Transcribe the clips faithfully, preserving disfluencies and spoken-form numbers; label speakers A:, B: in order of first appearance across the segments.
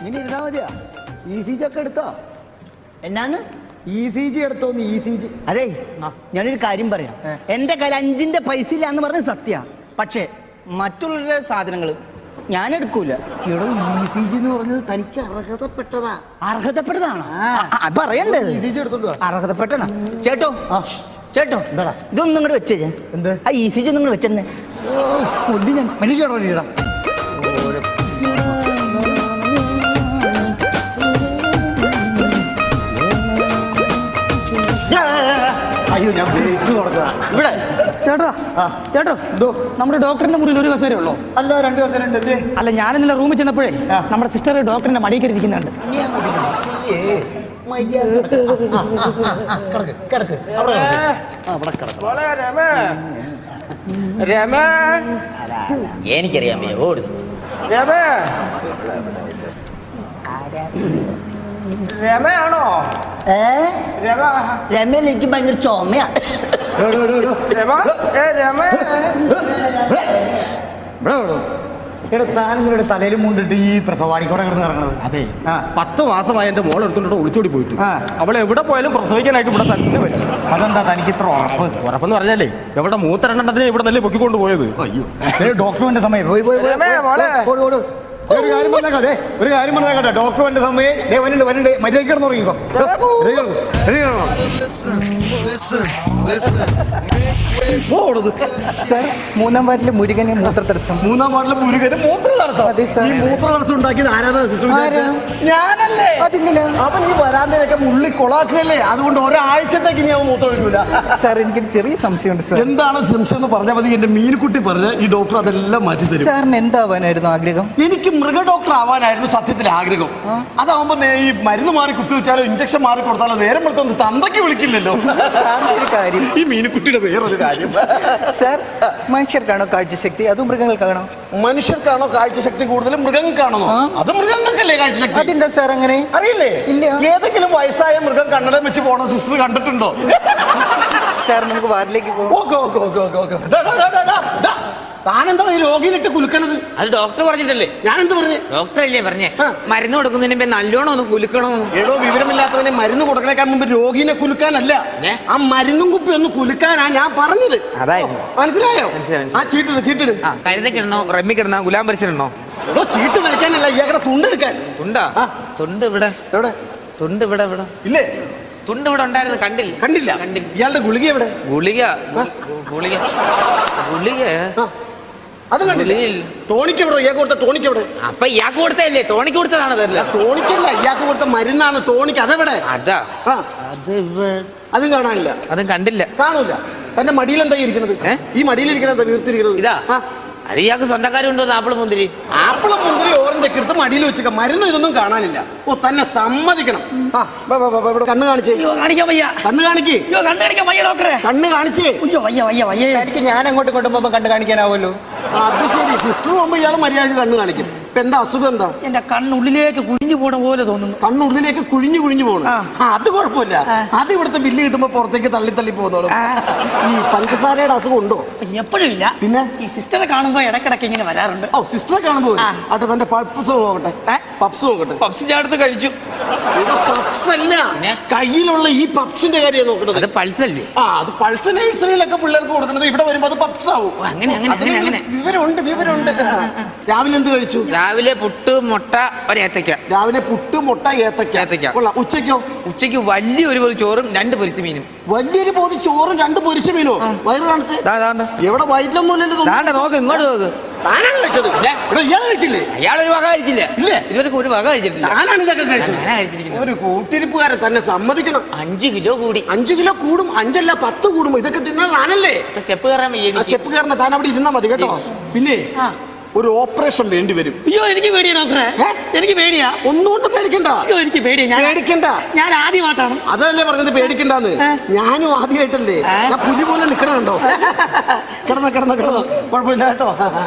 A: ഇങ്ങനെ ഇരുന്നാ മതിയാ. ഇ സി ജി ഒക്കെ എടുത്തോ?
B: എന്നാന്ന്?
A: ഇ സി ജി എടുത്തോന്ന്. E C G.
B: അതെ, ഞാനൊരു കാര്യം പറയാം. എന്റെ കയ്യിൽ അഞ്ചിന്റെ പൈസ ഇല്ല എന്ന് പറഞ്ഞ സത്യ. പക്ഷേ മറ്റുള്ളവരുടെ സാധനങ്ങൾ ഞാൻ എടുക്കൂല.
A: എടോ, ഇ സി ജി എന്ന് പറഞ്ഞത് തനിക്ക് അർഹതപ്പെട്ടതാ.
B: അർഹതപ്പെട്ടതാണോ? അത് പറയണ്ടേ?
A: ഇ സി ജി എടുത്തോണ്ടോ?
B: അർഹതപ്പെട്ടണ ചേട്ടോ. ചേട്ടോ,
A: എന്താടാ
B: ഇതൊന്നും ഇങ്ങോട്ട് വെച്ചേ.
A: എന്ത്?
B: ആ ഇ സി ജി ഒന്നും ഇങ്ങോട്ട് വെച്ചെന്നെ.
A: ഞാൻ മനുഷ്യടോ നീടാ. അയ്യോ, ഞാൻ
C: ഇവിടെ ചേട്ടാ. ചേട്ടോ, നമ്മുടെ ഡോക്ടറിന്റെ മുറിയിൽ ഒരു കസേര ഉള്ളോ?
A: അല്ല, രണ്ട് കസേര ഉണ്ട്.
C: അല്ല, ഞാൻ ഇന്നലെ റൂമിൽ ചെന്നപ്പോഴേ നമ്മുടെ സിസ്റ്റർ ഡോക്ടറിന്റെ മടിയിൽ കയറി ഇരിക്കുന്നുണ്ട്.
B: എനിക്കറിയാൻ
C: രമയാണോ?
B: ഏ രമയിൽ എനിക്ക് ഭയങ്കര ചുമയാ.
A: താനിങ്ങളുടെ തലയിൽ മുണ്ടിട്ട് ഈ പ്രസവാടിക്കൂടെ കിടന്ന് ഇറങ്ങണത്.
D: അതെ, പത്ത് മാസമായി എന്റെ മോൾ എടുത്തോണ്ട് ഒളിച്ചോടി പോയിട്ട്. അവളെ എവിടെ പോയാലും പ്രസവിക്കാനായിട്ട് ഇവിടെ തന്നെ വരും.
A: അതെന്താ തനിക്ക് ഇത്ര ഉറപ്പ്?
D: ഉറപ്പെന്ന് പറഞ്ഞാലേ എവിടെ മൂത്രണ്ടെണ്ണത്തിന് ഇവിടെ നല്ല പൊക്കിക്കൊണ്ട് പോയത്.
A: അയ്യോ, ഡോക്ടറിന്റെ സമയം പോയി പോയി ഒരു കാര്യം പറഞ്ഞേക്കാം. അതെ, ഒരു കാര്യം പറഞ്ഞേക്കട്ടെ. ഡോക്ടറിന്റെ സമയം വരണ്ട് വരണ്ട് മര്യാദ കിടന്നു തുടങ്ങിക്കോ.
B: സാർ, മൂന്നാം വാർഡിലെ മുരുകന് മൂത്ര തടസ്സം.
A: മൂന്നാം വാർഡിലെ മുരുകന് മൂത്ര തടസ്സം?
B: അതെ സാർ.
A: ഈ മൂത്ര തടസ്സം ഉണ്ടാക്കിയത് ആരാധന? ഞാനല്ലേ?
B: അതെന്തിനാ?
A: അപ്പൊ നീ വരാന്തയൊക്കെ മുള്ളി കൊളാക്കുകയല്ലേ? അതുകൊണ്ട് ഒരാഴ്ചത്തേക്ക് ഞാൻ മൂത്രം ഒഴിക്കൂല.
B: സാർ, എനിക്കൊരു ചെറിയ സംശയമുണ്ട് സാർ.
A: എന്താണ് സംശയം എന്ന് പറഞ്ഞാൽ മതി. എന്റെ മീൻകുട്ടി പറഞ്ഞ ഈ ഡോക്ടർ അതെല്ലാം മാറ്റി തരും.
B: സാറിന് എന്താവാനായിരുന്നു ആഗ്രഹം?
A: എനിക്ക് മൃഗ ഡോക്ടർ ആവാനായിരുന്നു സത്യത്തിൽ ആഗ്രഹം. അതാവുമ്പോ ഈ മരുന്ന് മാറി കുത്തിവെച്ചാലോ ഇഞ്ചക്ഷൻ മാറി കൊടുത്താലോ നേരം കൊടുത്തൊന്ന് തന്തയ്ക്ക് വിളിക്കില്ലല്ലോ.
B: ഒരു കാര്യം,
A: ഈ മീൻകുട്ടിയുടെ വേറൊരു കാര്യം.
B: സാർ, മനുഷ്യർക്കാണോ കാഴ്ചശക്തി അതോ മൃഗങ്ങൾക്കാണോ?
A: മനുഷ്യർക്കാണോ കാഴ്ചശക്തി കൂടുതലും മൃഗങ്ങൾക്കാണോ? അത് മൃഗങ്ങൾക്കല്ലേ കാഴ്ചശക്തി.
B: അതെന്താ സാർ അങ്ങനെ?
A: അറിയില്ലേ?
B: ഇല്ല.
A: ഏതെങ്കിലും വയസ്സായ മൃഗം കണ്ണടം വെച്ച് പോണ സിസ്റ്റർ കണ്ടിട്ടുണ്ടോ?
B: സാർ, നമുക്ക് വാർഡിലേക്ക് പോകാം.
A: Okay okay okay okay okay. താനെന്താണ് ഈ രോഗിയിലിട്ട് കുലുക്കണത്?
E: അത് ഡോക്ടർ പറഞ്ഞിട്ടല്ലേ?
A: ഞാൻ എന്ത് പറഞ്ഞു?
E: ഡോക്ടർ അല്ലേ പറഞ്ഞേ മരുന്ന് കൊടുക്കുന്നതിന് മുമ്പ് നല്ലോണം ഒന്ന് കുലുക്കണമെന്ന്.
A: ഏടോ, വിവരമില്ലാത്തവനെ മരുന്ന് കൊടുക്കണേക്കാൻ മുമ്പ് രോഗീനെ കുലുക്കാനല്ല, ആ മരുന്നും കുപ്പി ഒന്ന് കുലുക്കാനാ ഞാൻ പറഞ്ഞത്.
E: അതായിരുന്നു.
A: മനസ്സിലായോ? ആ ചീട്ടിട് ചീട്ടിട്.
E: കരുതക്കിടണോ റമ്മി കിടണോ ഗുലാം പരിസരണോ?
A: എടോ, ചീട്ട് കളിക്കാനല്ല, ഇയാളുടെ തുണ്ടെടുക്കാൻ.
E: തുണ്ടാ? തുണ്ട് ഇവിടെ.
A: എവിടെ
E: തുണ്ട്? ഇവിടെ ഇവിടെ
A: ഇല്ലേ?
E: തുണ്ട് ഇവിടെ ഉണ്ടായിരുന്നു, കണ്ടില്ല.
A: കണ്ടില്ല?
E: കണ്ടില്ല.
A: ഇയാളുടെ ഗുളിക എവിടെ?
E: ഗുളിക ഗുളിക ഗുളിക
A: അത് കണ്ടില്ല. ടോണിക്ക് എവിടെ? ഇയാൾക്ക് കൊടുത്ത ടോണിക്ക് എവിടെ?
E: അപ്പൊ ഇയാൾക്ക് കൊടുത്തല്ലേ? ടോണിക്ക് കൊടുത്തതാണ്.
A: ടോണിക്കല്ല, ഇയാൾക്ക് കൊടുത്ത മരുന്നാണ് ടോണിക്ക്. അതെവിടെ?
E: അതാ
A: ആ, അതും കാണാനില്ല.
E: അതും കണ്ടില്ല.
A: കാണൂല. തന്റെ മടിയിൽ എന്താ ഇരിക്കുന്നത്? ഈ മടിയിലിരിക്കുന്നത് വീർത്തിരിക്കുന്നത്
E: ഇതാ. അത് ഇയാൾക്ക് സ്വന്തക്കാരുണ്ടോ? ആപ്പിള് മുന്തിരി
A: ആപ്പിള് മുന്തിരി ഓറഞ്ചൊക്കെ എടുത്ത് മടിയിൽ വെച്ചേക്ക. മരുന്ന് ഇതൊന്നും കാണാനില്ല. ഓ, തന്നെ സമ്മതിക്കണം. കണ്ണ് കാണിച്ചേ.
C: കാണിക്കാൻ വയ്യ.
A: കണ്ണ് കാണിക്കേ.
C: കണ്ണ് കാണിക്കാൻ വയ്യ ഡോക്ടറെ.
A: കണ്ണ് കാണിച്ചേ.
C: അയ്യോ, വയ്യ വയ്യ വയ്യ.
B: എനിക്ക് ഞാൻ അങ്ങോട്ട് കൊണ്ടുപോകുമ്പോ കണ്ടു കാണിക്കാനാവുമല്ലോ.
A: അത് ശരി. സിസ്റ്റർ പോകുമ്പോ ഇയാൾ മര്യാദ കണ്ണ് കാണിക്കും. ഇപ്പൊ എന്താ അസുഖം? എന്താ?
C: എന്റെ കണ്ണുള്ളിലേക്ക് കുഴിഞ്ഞു പോണ പോലെ തോന്നുന്നു.
A: കണ്ണുള്ളിലേക്ക് കുഴിഞ്ഞു കുഴിഞ്ഞു പോകണം. അത് കുഴപ്പമില്ല. അത് ഇവിടുത്തെ ബില്ല് കിട്ടുമ്പോ പുറത്തേക്ക് തള്ളി തള്ളി പോകുന്നോളും. ഈ പഞ്ചസാരയുടെ അസുഖം ഉണ്ടോ?
C: എപ്പോഴും ഇല്ല.
A: പിന്നെ
C: ഈ സിസ്റ്ററെ കാണുമ്പോ ഇടക്കിടക്ക് ഇങ്ങനെ വരാറുണ്ട്.
A: ഓ, സിസ്റ്ററെ കാണുമ്പോ ആട്ടെ. തന്റെ പപ്സ് നോക്കട്ടെ. പപ്സ് നോക്കട്ടെ.
E: പപ്സ് ഞാൻ അടുത്ത് കഴിച്ചു.
A: പപ്സ് അല്ല, കയ്യിലുള്ള ഈ പപ്സിന്റെ കാര്യം നോക്കണത്.
E: അത് പൾസല്ലേ?
A: ആ, അത് പൾസ് നഴ്സറിയിലൊക്കെ പിള്ളേർക്ക് കൊടുക്കുന്നത്. ഇവിടെ വരുമ്പോ അത് പപ്സ് ആവും.
E: അങ്ങനെ അങ്ങനെ അങ്ങനെ
A: വിവരമുണ്ട് വിവരമുണ്ട്. രാവിലെ എന്ത് കഴിച്ചു?
E: രാവിലെ പുട്ട്, മുട്ട, ഒരു ഏത്തക്ക.
A: രാവിലെ പുട്ട്, മുട്ട, ഏത്തക്ക.
E: ഏത്തക്ക.
A: കൊള്ളാം. ഉച്ചയ്ക്കോ?
E: ഉച്ചയ്ക്ക് വലിയൊരു പൊതി ചോറും രണ്ട് പൊരിച്ച മീനും.
A: വലിയൊരു പൊതി ചോറും രണ്ട് പൊരിച്ച മീനോ? വയറ് കാണത്തെ എവിടെ? വയറ്റിലൊന്നുമില്ലല്ലോ.
E: നോക്ക്, ഇങ്ങോട്ട് നോക്ക്.
A: താനാണ് കഴിച്ചത്? ഇയാൾ കഴിച്ചില്ലേ?
E: അയാളൊരു വക കഴിച്ചില്ല. ഇല്ലേ? ഇതുവരെ ഒരു വക കഴിച്ചിട്ടില്ല.
A: ഞാനാണ് ഇതൊക്കെ കഴിച്ചത്. ഒരു കൂട്ടിരിപ്പുകാരൻ തന്നെ സമ്മതിക്കണം.
E: അഞ്ചു കിലോ കൂടി.
A: അഞ്ചു കിലോ കൂടും. അഞ്ചല്ല പത്ത് കൂടും. ഇതൊക്കെ തിന്നാൽ താനല്ലേ
E: സ്റ്റെപ്പ് കയറാൻ വയ്യ.
A: സ്റ്റെപ്പ് കയറണ താൻ അവിടെ ഇരുന്നാ മതി കേട്ടോ. പിന്നെ ഒരു ഓപ്പറേഷൻ വേണ്ടി വരും.
C: അയ്യോ, എനിക്ക് പേടിയാ ഡോക്ടറെ. എനിക്ക് പേടിയാ.
A: ഒന്നുകൊണ്ട് പേടിക്കണ്ട.
C: അയ്യോ, എനിക്ക് പേടിയാ.
A: പേടിക്കണ്ട.
C: ഞാൻ ആദ്യമായിട്ടാണ്.
A: അതല്ലേ പറഞ്ഞത് പേടിക്കണ്ടെന്ന്. ഞാനും ആദ്യമായിട്ടല്ലേ. ഞാൻ പുലി പോലെ നിക്കണുണ്ടോ? കിടന്നോ കിടന്നോ കിടന്നോ, കുഴപ്പമില്ല കേട്ടോ.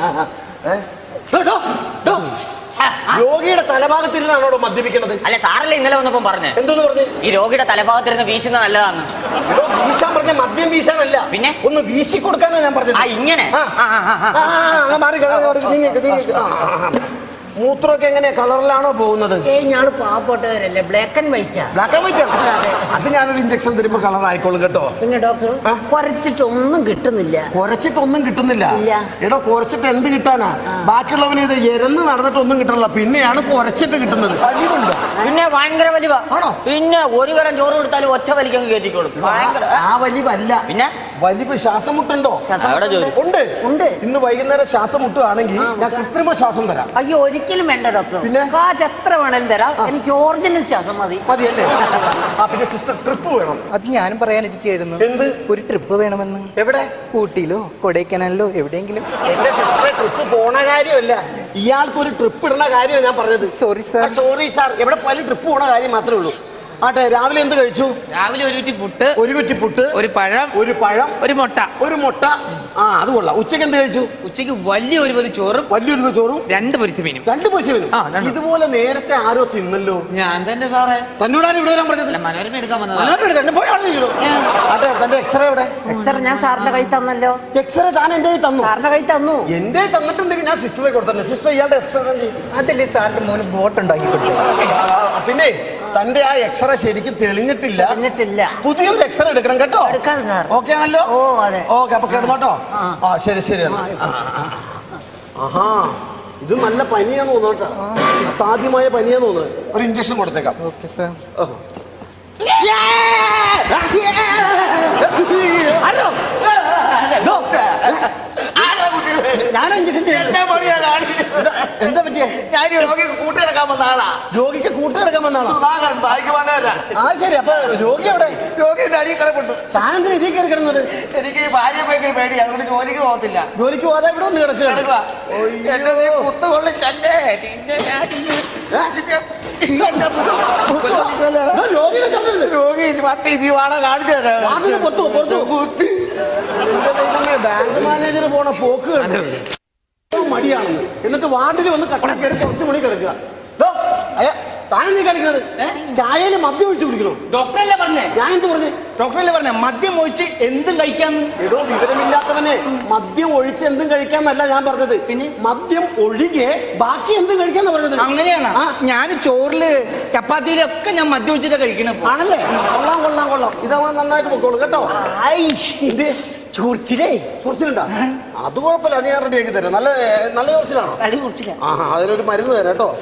A: രോഗിയുടെ തലഭാഗത്തിരുന്നാണോ മദ്യപിക്കണത്?
F: അല്ല, സാറല്ലേ ഇന്നലെ വന്നപ്പോ പറഞ്ഞേ?
A: എന്തോന്ന് പറഞ്ഞു?
F: ഈ രോഗിയുടെ തലഭാഗത്തിരുന്ന് വീശുന്ന നല്ലതാണ്.
A: വീശാൻ പറഞ്ഞ മദ്യം വീശാനല്ല,
F: പിന്നെ
A: ഒന്ന് വീശി കൊടുക്കാനാ ഞാൻ പറഞ്ഞത്.
F: ആ, ഇങ്ങനെ
G: മൂത്രമൊക്കെ എങ്ങനെയാ കളറിലാണോ പോകുന്നത്?
H: ഏയ് ഞാള് പാവപ്പെട്ടവരല്ലേ, ബ്ലാക്ക് ആൻഡ് വൈറ്റാ.
G: ബ്ലാക്ക് ആൻഡ് വൈറ്റ് അത് ഞാനൊരു ഇഞ്ചക്ഷൻ തരുമ്പോ കളർ ആയിക്കോളും കേട്ടോ.
H: പിന്നെ ഡോക്ടർ കുറച്ചിട്ടൊന്നും കിട്ടുന്നില്ല.
G: കുറച്ചിട്ടൊന്നും കിട്ടുന്നില്ല?
H: ഇല്ല.
G: എടോ കുറച്ചിട്ട് എന്ത് കിട്ടാനാ? ബാക്കിയുള്ളവന് ഇത് എരന്ന് നടന്നിട്ടൊന്നും കിട്ടണില്ല, പിന്നെയാണ് കുറച്ചിട്ട് കിട്ടുന്നത്. വലിവുണ്ടോ?
F: പിന്നെ ഭയങ്കര വലിവ.
G: ആണോ?
F: പിന്നെ ഒരു കരം ചോറ് കൊടുത്താലും ഒറ്റ വലിക്കങ്ങ് കയറ്റിക്കോളും. ഭയങ്കര
G: ആ വലിവല്ല,
F: പിന്നെ
G: വലിവ്. ശ്വാസം മുട്ടുണ്ടോ?
F: അവിടെ ജോലി
G: ഉണ്ട്
H: ഉണ്ട്.
G: ഇന്ന് വൈകുന്നേരം ശ്വാസം മുട്ടുകയാണെങ്കിൽ ഞാൻ കൃത്രിമ ശ്വാസം തരാം.
H: അയ്യോ ഒരിക്കലും വേണ്ട ഡോക്ടർ.
G: പിന്നെ?
H: കാശ് എത്ര വേണേലും തരാം, എനിക്ക് ഒറിജിനൽ ശ്വാസം മതി.
G: മതിയല്ലേ? ആ പിന്നെ സിസ്റ്റർ ട്രിപ്പ് വേണം.
B: അത് ഞാനും പറയാനിരിക്കുകയായിരുന്നു.
G: എന്ത്?
B: ഒരു ട്രിപ്പ് വേണമെന്ന്.
G: എവിടെ?
B: ഊട്ടിയിലോ കൊടൈക്കനാലിലോ എവിടെയെങ്കിലും.
G: എന്റെ സിസ്റ്ററെ ട്രിപ്പ് പോണ കാര്യമല്ല, ഇയാൾക്ക് ഒരു ട്രിപ്പ് ഇടുന്ന കാര്യമാണ് ഞാൻ പറഞ്ഞത്.
B: Sorry sir.
G: Sorry sir. എവിടെ പോയാലും ട്രിപ്പ് പോണ കാര്യം മാത്രമേ ഉള്ളൂ. ആട്ടെ, രാവിലെ എന്ത് കഴിച്ചു?
E: രാവിലെ ഒരു കുറ്റി പുട്ട്,
G: ഒരു കുറ്റി പുട്ട്,
E: ഒരു പഴം,
G: ഒരു പഴം,
E: ഒരു മുട്ട.
G: ഒരു മുട്ട. ആ അത് കൊള്ളാം. ഉച്ചയ്ക്ക് എന്ത് കഴിച്ചു?
E: ഉച്ചയ്ക്ക് വലിയ ഒരു പൊതി ചോറും
G: വലിയൊരു ചോറും
E: രണ്ട് പൊരിച്ച മീനും.
G: രണ്ട് പൊരിച്ച മീനും.
E: ആ, രണ്ട്.
G: ഇതുപോലെ നേരത്തെ ആരോ തിന്നല്ലോ.
E: ഞാൻ തന്നെ സാറേ.
G: തന്നോടാരും ഇവിടെ വരാൻ പറഞ്ഞില്ല.
E: മനോരമ എടുക്കാൻ വന്നതാ.
G: ആട്ടെ, തന്റെ എക്സ്റേ എവിടെ?
H: എക്സ്റേ ഞാൻ സാറിന്റെ കൈ തന്നല്ലോ.
G: എക്സ്റേ താൻ എന്റെ കയ്യിൽ തന്നു?
H: സാറിന്റെ കൈ തന്നു.
G: എന്റെ തന്നിട്ടുണ്ടെങ്കിൽ ഞാൻ സിസ്റ്ററെ കൊടുത്തന്നെ. സിസ്റ്റർ ഇയാളുടെ എക്സ്റേ
B: അതല്ലേ സാറിന്റെ മോന് ബോട്ട് ഉണ്ടാക്കി കൊടുത്തത്.
G: പിന്നെ തന്റെ ആ എക്സ്റേ ശരിക്കും തെളിഞ്ഞിട്ടില്ല.
H: തെളിഞ്ഞിട്ടില്ല.
G: പുതിയൊരു എക്സ്റേ എടുക്കണം കേട്ടോ.
H: എടുക്കാം സാർ.
G: ഓക്കെ ആണല്ലോ?
H: ഓ അതെ.
G: ഓക്കെ, അപ്പൊ കിടന്നോട്ടോ. ആ ശരി ശരി. ആഹാ, ഇത് നല്ല പനിയാന്ന് തോന്നുന്നു കേട്ടോ. സാധ്യമായ പനിയാന്ന് തോന്നുന്നു. ഒരു ഇഞ്ചക്ഷൻ കൊടുത്തേക്കാം.
B: Okay sir.
G: ഞാൻ ഇഞ്ചക്ഷൻ എന്താ പറ്റിയ?
A: ഞാൻ രോഗിക്ക് കൂട്ടിയെടുക്കാൻ വന്ന ആളാ.
G: രോഗിക്ക് കൂട്ടിയെടുക്കാൻ വന്നാണോ?
A: സുധാകരൻ ബായിക്ക് വന്നവരാ.
G: ആ ശരി. അപ്പൊ രോഗി എവിടെ?
A: രോഗിന്റെ അടിയിൽ കിടപ്പുണ്ട്.
G: താൻ എന്താ ഇതിൽ കയറി കിടന്നത്?
A: എനിക്ക് ഈ ഭാര്യ ഭയങ്കര പേടി, അതുകൊണ്ട് ജോലിക്ക് പോകത്തില്ല.
G: ജോലിക്ക് പോകാതെ ഇവിടെ ഒന്ന് കിടക്കുക.
A: കിടക്കുക. എന്നെ നീ കുത്തു കൊള്ളിച്ചല്ലേ. നിന്നെ ഞാൻ ഇന്ന് എന്നെ കുത്തു- കുത്തു കൊള്ളിക്കല്ലേ.
G: രോഗിയെ ചത്തരുത്.
A: രോഗി പട്ടി ജീവാണോ കാണിച്ചു തരാം.
G: വാതില് പൊത്തോ, പുറത്തോ?
A: കുത്തി.
G: ബാങ്ക് മാനേജർ പോണ പോക്ക് കണ്ടു. മടിയാണെന്ന്. എന്നിട്ട് വാർഡിൽ വന്ന് കട്ട കയറി കുറച്ച് മണി കിടക്കുക. താനെന്തീ കളിക്കുന്നത്? ചായയിൽ മദ്യം ഒഴിച്ച് കുടിക്കണോ?
B: ഡോക്ടറല്ലേ പറഞ്ഞേ?
G: ഞാൻ എന്ത് പറഞ്ഞു?
B: ഡോക്ടറല്ലേ പറഞ്ഞേ മദ്യം ഒഴിച്ച് എന്തും കഴിക്കാന്ന്?
G: എടോ വിവരമില്ലാത്തവനെ, മദ്യം ഒഴിച്ച് എന്തും കഴിക്കാന്നല്ല ഞാൻ പറഞ്ഞത്. പിന്നെ മദ്യം ഒഴികെ ബാക്കി എന്തും കഴിക്കാന്ന് പറഞ്ഞത്.
B: അങ്ങനെയാണ്. ഞാൻ ചോറില് ചപ്പാത്തിയിലൊക്കെ ഞാൻ മദ്യം ഒഴിച്ചിട്ട് കഴിക്കണ.
G: ആണല്ലേ? കൊള്ളാം കൊള്ളാം കൊള്ളാം. ഇതാവാൻ നന്നായിട്ട് പൊക്കോളൂ കേട്ടോ.
B: ഇത് ചൊറിച്ചിലേ.
G: ചൊറിച്ചിലുണ്ടാ? അത് കുഴപ്പമില്ല, അത് ഞാൻ റെഡി ആക്കി തരാം. നല്ല നല്ല ചൊറിച്ചിലാണോ?
B: കളി കുറിച്ചില്ല.
G: ആ അതിനൊരു മരുന്ന് തരാം കേട്ടോ.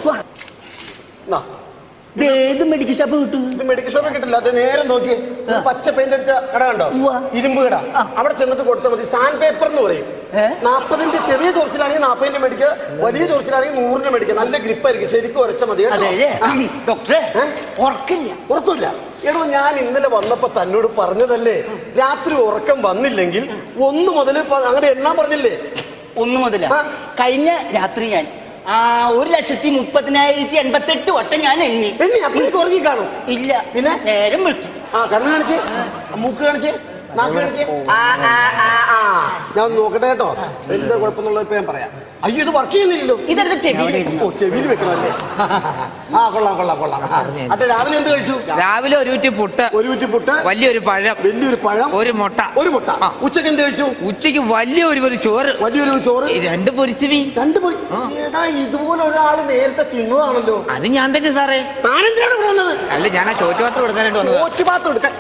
B: ഏത് മെഡിക്കൽ ഷോപ്പ് കിട്ടും?
G: ഇത് മെഡിക്കൽ ഷോപ്പിൽ കിട്ടില്ല. അത് നേരെ നോക്കി പച്ച പെയിന്റ് അടിച്ച കട കണ്ടോ? ഇരുമ്പ് കട. അവിടെ ചെന്നിട്ട് കൊടുത്താൽ മതി. സാൻഡ് പേപ്പർ എന്ന് പറയും. നാപ്പതിന്റെ ചെറിയ ചൊറിച്ചിലാണെങ്കിൽ നാപ്പതിന്റെ മേടിക്കുക, വലിയ ചൊറിച്ചിലാണെങ്കിൽ നൂറിന്റെ മേടിക്കുക. നല്ല ഗ്രിപ്പായിരിക്കും. ശരിക്കും ഉരച്ച മതി.
B: ഡോക്ടറെ ഉറക്കില്ല.
G: ഉറക്കില്ല. എടോ ഞാൻ ഇന്നലെ വന്നപ്പോ തന്നോട് പറഞ്ഞതല്ലേ, രാത്രി ഉറക്കം വന്നില്ലെങ്കിൽ ഒന്ന് മുതൽ അങ്ങനെ എണ്ണാൻ പറഞ്ഞില്ലേ?
B: ഒന്ന് മുതല കഴിഞ്ഞ രാത്രി ഞാൻ ആ ഒരു ലക്ഷത്തി മുപ്പതിനായിരത്തി എൺപത്തെട്ട് വട്ടം ഞാൻ എണ്ണി.
G: എണ്ണി അപ്പോഴേക്ക് ഉറങ്ങി കാണും.
B: ഇല്ല.
G: പിന്നെ
B: നേരം വിളിച്ചു.
G: ആ കണ്ണ് കാണിച്ച്, മൂക്ക് കാണിച്ച്, നാക്ക് കാണിച്ച്. ഞാൻ ഒന്ന് നോക്കട്ടെ കേട്ടോ. എന്താ കുഴപ്പമെന്നുള്ളത് ഇപ്പൊ ഞാൻ പറയാം. അയ്യോ ഇത് വർക്ക് ചെയ്യുന്നില്ലല്ലോ.
B: ഇതെടുത്ത് ചെവിയിൽ.
G: ഓ ചെവിയിൽ വെക്കണമല്ലേ? ആ കൊള്ളാം കൊള്ളാം കൊള്ളാം. അതെ, രാവിലെ എന്ത് കഴിച്ചു?
E: രാവിലെ ഒരു കുറ്റി പുട്ട്,
G: ഒരു കുറ്റി പുട്ട്,
E: വലിയൊരു പഴം,
G: വലിയൊരു പഴം,
E: ഒരു മുട്ട.
G: ഒരു മുട്ട. ഉച്ചക്ക് എന്ത് കഴിച്ചു?
E: ഉച്ചയ്ക്ക് വലിയൊരു ഒരു ചോറ്,
G: വലിയൊരു ചോറ്,
E: രണ്ട് പൊരിച്ച മീൻ.
G: രണ്ട് പൊരി. എടാ ഇതുപോലെ ഒരാള് നേരത്തെ തിന്നതാണല്ലോ.
E: അത് ഞാൻ തന്നെ സാറേ.
G: താനെന്തിനാണ് ഇവിടെ വന്നത്?
E: അല്ല ഞാൻ ആ ചോറ്റുപാത്രം കൊടുക്കാനായിട്ട് വന്നത്.
G: ചോറ്റുപാത്രം എടുക്കാൻ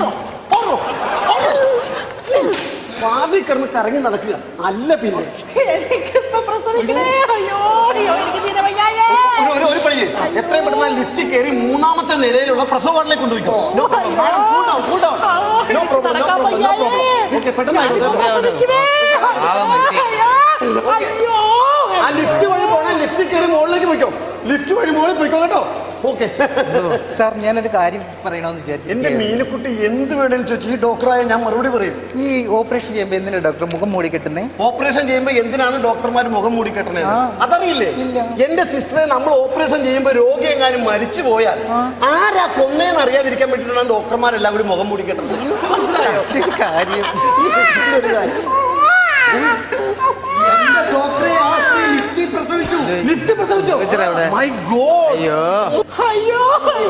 G: വാതിൽ കിടന്ന് കറങ്ങി നടക്കുക അല്ല. പിന്നെ ഒരു ഒരു പണി എത്രയും പെട്ടെന്ന് ലിഫ്റ്റിൽ കയറി മൂന്നാമത്തെ നിരയിലുള്ള പ്രസവ വാർഡിലേക്ക് കൊണ്ടുപോയിക്കോ. ആ ലിഫ്റ്റ് വഴി പോണേ. ലിഫ്റ്റിൽ കയറി മുകളിലേക്ക് പോയിക്കോ. ലിഫ്റ്റ് വഴി മുകളിൽ പോയിക്കോ കേട്ടോ. ഓക്കെ
B: സാർ ഞാനൊരു കാര്യം പറയണമെന്ന് വിചാരിച്ചു.
G: എന്റെ മീനുക്കുട്ടി എന്ത് വേണമെന്ന് ചോദിച്ചു ഈ ഡോക്ടറായ ഞാൻ മറുപടി പറയും.
B: ഈ ഓപ്പറേഷൻ ചെയ്യുമ്പോ എന്തിനാ ഡോക്ടർ മുഖം മൂടി കെട്ടുന്നേ?
G: ഓപ്പറേഷൻ ചെയ്യുമ്പോ എന്തിനാണ് ഡോക്ടർമാർ മുഖം മൂടി കെട്ടണേ അതറിയില്ലേ? എന്റെ സിസ്റ്ററെ നമ്മൾ ഓപ്പറേഷൻ ചെയ്യുമ്പോ രോഗി എങ്ങാനും മരിച്ചു പോയാൽ ആരാ കൊന്നേന്ന് അറിയാതിരിക്കാൻ വേണ്ടിയിട്ടാണ് ഡോക്ടർമാരെല്ലാം കൂടി മുഖം മൂടി കെട്ടുന്നത്. മനസ്സിലായോ കാര്യം? ഈ സിസ്റ്ററിന്റെ ഒരു കാര്യം. ഡോക്ടറെ ലിഫ്റ്റ് പ്രസവിച്ചു. ലിഫ്റ്റ് പ്രസവിച്ചു. My god.
E: അയ്യോ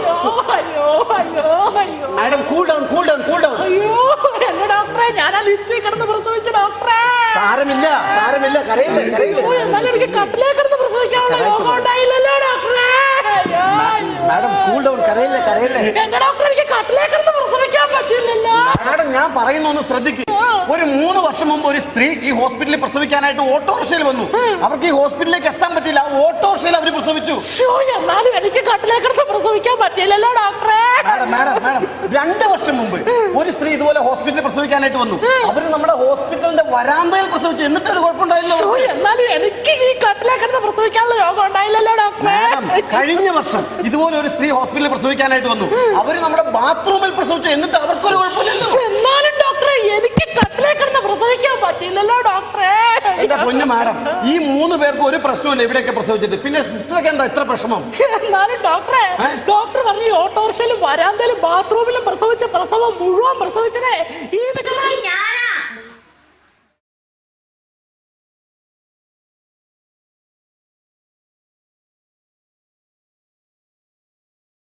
G: madam cool down cool down cool down.
E: ഡോക്ടറെ ഞാൻ ആ ലിഫ്റ്റിൽ കിടന്ന് പ്രസവിച്ച ഡോക്ടറെ.
G: സാരമില്ല സാരമില്ല കരയില്ലേ കരയില്ലേ.
E: എന്നാലും എനിക്ക് കട്ടിലേ കിടന്ന് പ്രസവിക്കാൻ
C: പ്രസവിക്കാനുള്ള യോഗം ഉണ്ടായില്ലല്ലോ ഡോക്ടറെ. അയ്യോ, അയ്യോ.
G: മാഡം കൂൾ ഡൗൺ, കരയില്ലേ കരയില്ലേ.
C: എന്റെ ഡോക്ടർ എനിക്ക് കട്ടിലേക്കിടന്ന് പ്രസവിക്കാൻ പറ്റില്ലല്ലോ.
G: മാഡം ഞാൻ പറയുന്ന ഒന്ന് ശ്രദ്ധിക്കും. ഒരു മൂന്ന് വർഷം മുമ്പ് ഒരു സ്ത്രീ ഈ ഹോസ്പിറ്റലിൽ പ്രസവിക്കാനായിട്ട് ഓട്ടോറിക്ഷയിൽ വന്നു. അവർക്ക് ഈ ഹോസ്പിറ്റലിലേക്ക് എത്താൻ പറ്റില്ല. ആ ഓട്ടോറിക്ഷയിൽ അവർ പ്രസവിച്ചു.
C: ശ്ശോ, എന്നാലും എനിക്ക് കട്ടിലേക്കിടന്ന് പ്രസവിക്കാൻ പറ്റില്ലല്ലോ ഡോക്ടറെ.
G: മാഡം മാഡം മാഡം രണ്ട് വർഷം മുമ്പ് ഒരു സ്ത്രീ ഇതുപോലെ ഹോസ്പിറ്റലിൽ പ്രസവിക്കാനായിട്ട് വന്നു. അവര് നമ്മുടെ ഹോസ്പിറ്റലിന്റെ വരാന്തയിൽ പ്രസവിച്ചു. എന്നിട്ടൊരു കുഴപ്പമുണ്ടായില്ലോ.
C: ശ്ശോ, എന്നാലും എനിക്ക് ഈ കട്ടിലേക്കിടന്ന് പ്രസവിക്കാനുള്ള യോഗം ഉണ്ടായില്ലല്ലോ ഡോക്ടറെ.
G: മാഡം കഴിഞ്ഞ വർഷം ഇതുപോലെ ഒരു സ്ത്രീ ഹോസ്പിറ്റലിൽ പ്രസവിക്കാനായിട്ട് വന്നു. അവര് നമ്മുടെ ബാത്റൂമിൽ പ്രസവിച്ചു. എന്നിട്ട് അവർക്കൊരു കുഴപ്പമില്ലല്ലോ.
C: എന്നാലും ഡോക്ടറെ എനിക്ക് കട്ടിലേക്കിടന്ന് പ്രസവിക്കാൻ പറ്റില്ലല്ലോ ഡോക്ടറെ.
G: എന്റെ പൊന്നു മാഡം, ഈ മൂന്ന് പേർക്ക് ഒരു പ്രശ്നമില്ല ഇവിടെയൊക്കെ പ്രസവിച്ചിട്ട്. പിന്നെ സിസ്റ്റർക്ക് എന്താ ഇത്ര പ്രശ്നം?
C: എന്നാലും ഡോക്ടറെ, ഡോക്ടർ പറഞ്ഞു ഈ ഓട്ടോറിക്ഷയിലും വരാന്തയിലും ബാത്റൂമിലും പ്രസവിച്ച പ്രസവം മുഴുവൻ പ്രസവിച്ചതേ ഈ